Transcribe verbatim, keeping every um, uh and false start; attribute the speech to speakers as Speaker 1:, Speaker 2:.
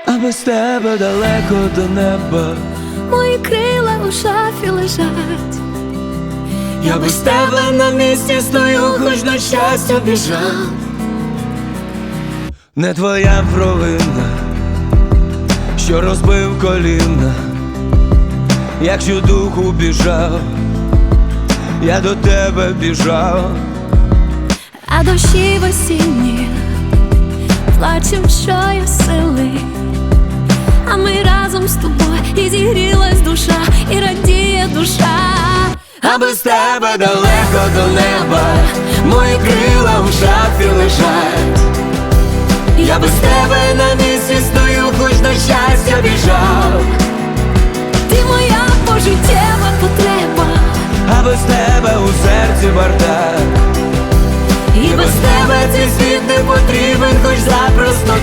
Speaker 1: а без тебе далеко до неба.
Speaker 2: Мої крила у шафі лежать.
Speaker 1: Я без тебе на місці стою, хоч на щастя біжав. Не твоя провина, що розбив коліна. Якщо духу біжав, я до тебе біжав.
Speaker 2: А дощі в осінні плачем, що є сили. А ми разом з тобою, і зігрілась душа, і радіє душа.
Speaker 1: А без тебе далеко до неба, мої крила в шафі лежать. Я без тебе на місці стою, хоч на щастя біжав.
Speaker 2: Ти моя пожиттєва потреба,
Speaker 1: А без тебе у серці бардак. І без тебе цей світ не потрібен, хоч запросто